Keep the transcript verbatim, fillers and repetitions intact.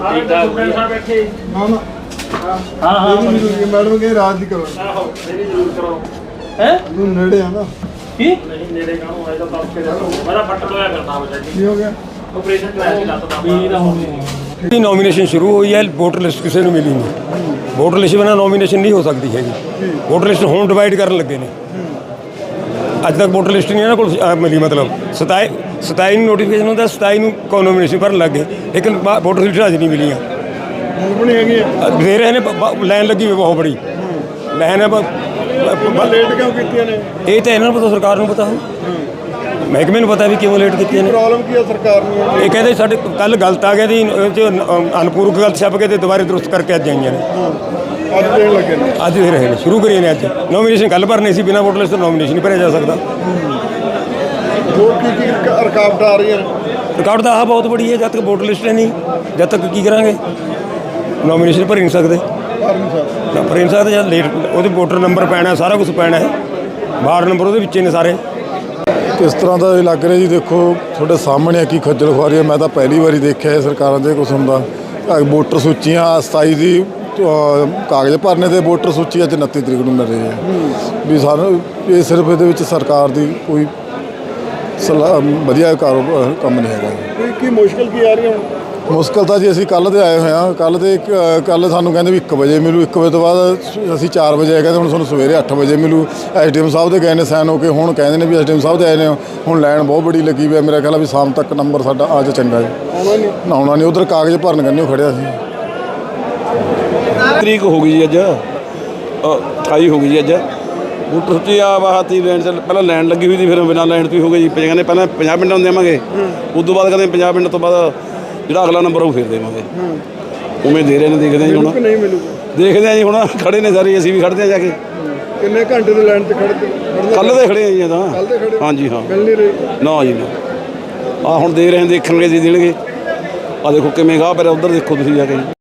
ਠੀਕ ਠਾਕ ਬੈਠੇ ਨਾ ਨਾ ਹਾਂ ਹਾਂ ਮੈਡਮ ਕਹੇ ਰਾਤ ਦੀ ਕਰੋ ਆਹੋ ਇਹ ਵੀ ਜ਼ਰੂਰ ਕਰੋ ਹੈ ਤੂੰ ਨੇੜੇ ਆ ਨਾ ਕੀ ਨਹੀਂ ਨੇੜੇ ਕਾਹਨੂੰ ਆਏ ਤਾਂ ਦੱਸ ਕੇ ਦੱਸੋ ਮੇਰਾ ਫੱਟ ਲੋਇਆ ਕਰਨਾ ਬਚਾ ਜੀ ਕੀ ਹੋ ਗਿਆ ਆਪਰੇਸ਼ਨ ਕਰਾਇਆ ਸੀ ਲੱਤ ਦਾ ਵੀ ਨਾ ਹੋਣੀ ਦੀ ਨੋਮੀਨੇਸ਼ਨ ਸ਼ੁਰੂ ਹੋਈ ਹੈ ਵੋਟਰ ਲਿਸਟ ਕਿਸੇ ਨੂੰ ਮਿਲੀ ਨਹੀਂ ਵੋਟਰ ਲਿਸਟ ਬਿਨਾਂ ਨੋਮੀਨੇਸ਼ਨ ਨਹੀਂ ਹੋ ਸਕਦੀ ਹੈਗੀ ਵੋਟਰ ਲਿਸਟ ਹੁਣ ਡਿਵਾਈਡ ਕਰਨ ਲੱਗੇ ਨੇ ਅੱਜ ਤੱਕ ਵੋਟਰ ਲਿਸਟ ਨਹੀਂ ਇਹਨਾਂ ਕੋਲ ਅਹ, ਮਿਲੀ ਮਤਲਬ ਸਤਾਈ ਸਤਾਈ ਨੂੰ ਨੋਟੀਫਿਕੇਸ਼ਨ ਹੁੰਦਾ ਸਤਾਈ ਨੂੰ ਕੋ ਨੋਮੀਨੇਸ਼ਨ ਭਰਨ ਲੱਗੇ ਲੇਕਿਨ ਵੋਟਰ ਲਿਸਟ ਅੱਜ ਨਹੀਂ ਮਿਲੀਆਂ ਹੁਣ ਵੀ ਨਹੀਂ ਹੈਗੀ ਆ ਦੇ ਰਹੇ ਨੇ ਲਾਈਨ ਲੱਗੀ ਹੋਈ ਬਹੁਤ ਬੜੀ ਲਾਈਨ ਹੈ ਲੇਟ ਕਿਉਂ ਕੀਤੀਆਂ ਨੇ ਇਹ ਤਾਂ ਇਹਨਾਂ ਨੂੰ ਪਤਾ ਸਰਕਾਰ ਨੂੰ ਪਤਾ ਹੋ ਮਹਿਕਮੇ ਨੂੰ ਪਤਾ ਵੀ ਕਿਉਂ ਲੇਟ ਕੀਤੀਆਂ ਨੇ ਪ੍ਰੋਬਲਮ ਕੀ ਆ ਸਰਕਾਰ ਨੂੰ ਇਹ ਕਹਿੰਦੇ ਸਾਡੇ ਕੱਲ ਗਲਤ ਆ ਗਿਆ ਜੀ ਇਹ 'ਚ ਅਨਪੂਰਕ ਗਲਤ ਛਪ ਕੇ ਤੇ ਦੁਬਾਰੇ ਦਰੁਸਤ ਕਰਕੇ ਅੱਜ ਆਈਆਂ ਨੇ ਅੱਜ ਦੇਣ ਲੱਗੇ ਨੇ ਅੱਜ ਦੇ ਰਹੇ ਨੇ ਸ਼ੁਰੂ ਕਰੀਏ ਨੇ ਅੱਜ ਨੋਮੀਨੇਸ਼ਨ ਕੱਲ ਭਰਨੇ ਸੀ ਬਿਨਾਂ ਵੋਟਰ ਲਿਸਟ ਤੋਂ ਨੋਮੀਨੇਸ਼ਨ ਨਹੀਂ ਭਰਿਆ ਜਾ ਸਕਦਾ ਹੋਰ ਕੀ ਕੀ ਰੁਕ- ਰੁਕਾਵਟਾਂ ਆ ਰਹੀਆਂ ਨੇ ਰਿਕਾਰਡ ਤਾਂ ਆਹ ਬਹੁਤ ਬੜੀ ਹੈ ਜਦ ਤੱਕ ਵੋਟਰ ਲਿਸਟ ਹੈ ਨਹੀਂ ਜਦ ਤੱਕ ਕੀ ਕਰਾਂਗੇ ਨੋਮੀਨੇਸ਼ਨ ਭਰ ਹੀ ਨਹੀਂ ਸਕਦੇ ਕਰ ਨਹੀਂ ਸਕਦੇ ਨਾ ਭਰ ਹੀ ਨਹੀਂ ਸਕਦੇ ਜਦ ਲੇਟ ਉਹਦੇ ਵੋਟਰ ਨੰਬਰ ਪੈਣਾ ਸਾਰਾ ਕੁਝ ਪੈਣਾ ਹੈ ਵਾਰਡ ਨੰਬਰ ਉਹਦੇ ਵਿੱਚ ਹੀ ਨੇ ਸਾਰੇ ਕਿਸ ਤਰ੍ਹਾਂ ਦਾ ਇਹ ਲੱਗ ਰਿਹਾ ਜੀ ਦੇਖੋ ਤੁਹਾਡੇ ਸਾਹਮਣੇ ਆ ਕੀ ਖੱਜਲ ਖੁਆਰੀ ਹੈ ਮੈਂ ਤਾਂ ਪਹਿਲੀ ਵਾਰੀ ਦੇਖਿਆ ਇਹ ਸਰਕਾਰਾਂ ਦੇ ਕੁਛ ਹੁੰਦਾ ਆਹ ਵੋਟਰ ਸੂਚੀਆਂ ਸਤਾਈ ਦੀ ਅਹ, ਕਾਗਜ਼ ਭਰਨੇ ਤੇ ਵੋਟਰ ਸੂਚੀ ਅੱਜ ਉਨੱਤੀ ਤਰੀਕ ਨੂੰ ਮਿਲ ਰਹੀ ਹੈ ਵੀ ਸਾਨੂੰ ਇਹ ਸਿਰਫ ਇਹਦੇ ਵਿੱਚ ਸਰਕਾਰ ਦੀ ਕੋਈ ਸਲਾਹ ਵਧੀਆ ਕਾਰੋਬਾਰ ਕੰਮ ਨਹੀਂ ਹੈਗਾ ਕੀ ਕੀ ਮੁਸ਼ਕਲ ਕੀ ਆ ਰਹੀ ਹੁਣ ਮੁਸ਼ਕਲ ਤਾਂ ਜੀ ਅਸੀਂ ਕੱਲ੍ਹ ਦੇ ਆਏ ਹੋਏ ਹਾਂ ਕੱਲ੍ਹ ਦੇ ਕੱਲ੍ਹ ਸਾਨੂੰ ਕਹਿੰਦੇ ਵੀ ਇੱਕ ਵਜੇ ਮਿਲੂ ਇੱਕ ਵਜੇ ਤੋਂ ਬਾਅਦ ਅਸੀਂ ਚਾਰ ਵਜੇ ਆਏ ਕਹਿੰਦੇ ਹੁਣ ਤੁਹਾਨੂੰ ਸਵੇਰੇ ਅੱਠ ਵਜੇ ਮਿਲੂ ਐਸ ਡੀ ਐਮ ਸਾਹਿਬ ਦੇ ਗਏ ਨੇ ਸਾਈਨ ਹੋ ਕੇ ਹੁਣ ਕਹਿੰਦੇ ਨੇ ਵੀ ਐਸ ਡੀ ਐਮ ਸਾਹਿਬ ਦੇ ਆਏ ਨੇ ਹੁਣ ਲਾਈਨ ਬਹੁਤ ਬੜੀ ਲੱਗੀ ਵੀ ਮੇਰਾ ਖਿਆਲ ਆ ਵੀ ਸ਼ਾਮ ਤੱਕ ਨੰਬਰ ਸਾਡਾ ਆ ਜਾ ਚੰਗਾ ਜੀ ਆਉਣਾ ਨਹੀਂ ਨਾ ਆਉਣਾ ਨਹੀਂ ਉਧਰ ਕਾਗਜ਼ ਭਰਨ ਕਰਨੇ ਉਹ ਖੜਿਆ ਸੀ ਤਰੀਕ ਹੋ ਗਈ ਜੀ ਅੱਜ ਅਠਾਈ ਹੋ ਗਈ ਜੀ ਅੱਜ ਵੋਟਰ ਸੂਚੀ ਆ ਬਾਹਤੀ ਲੈਣ ਚ ਪਹਿਲਾਂ ਲੈਣ ਲੱਗੀ ਹੋਈ ਸੀ ਫਿਰ ਬਿਨਾਂ ਲੈਣ ਤੋਂ ਹੀ ਹੋ ਗਈ ਜੀ ਕਹਿੰਦੇ ਪਹਿਲਾਂ ਪੰਜਾਹ ਪਿੰਡਾਂ ਨੂੰ ਦੇਵਾਂਗੇ ਉਸ ਤੋਂ ਬਾਅਦ ਕਹਿੰਦੇ ਪੰਜਾਹ ਪਿੰਡ ਤੋਂ ਬਾਅਦ ਜਿਹੜਾ ਅਗਲਾ ਨੰਬਰ ਉਹ ਫਿਰ ਦੇਵਾਂਗੇ ਉਵੇਂ ਦੇ ਰਹੇ ਨੇ ਦੇਖਦੇ ਹਾਂ ਜੀ ਕਿ ਹੁਣ ਨਹੀਂ ਮਿਲੂਗਾ ਦੇਖਦੇ ਹਾਂ ਜੀ ਹੁਣ ਖੜੇ ਨੇ ਸਾਰੇ ਅਸੀਂ ਵੀ ਖੜਦੇ ਹਾਂ ਜਾ ਕੇ ਕਿੰਨੇ ਘੰਟੇ ਦੇ ਲਾਈਨ ਤੇ ਖੜਦੇ ਖੜਦੇ ਕੱਲ੍ਹ ਦੇ ਖੜੇ ਹਾਂ ਜੀ ਇਹ ਤਾਂ ਕੱਲ੍ਹ ਦੇ ਖੜੇ ਹਾਂਜੀ ਹਾਂ ਮਿਲ ਨਹੀਂ ਰਹੀ ਨਾ ਜੀ ਨਾ ਆ ਹੁਣ ਦੇ ਰਹੇ ਹਾਂ ਦੇਖਣਗੇ ਜੀ ਦੇਣਗੇ ਆ ਦੇਖੋ ਕਿਵੇਂ ਗਾਹ ਪਰ ਉਧਰ ਦੇਖੋ ਤੁਸੀਂ ਜਾ ਕੇ ਜੀ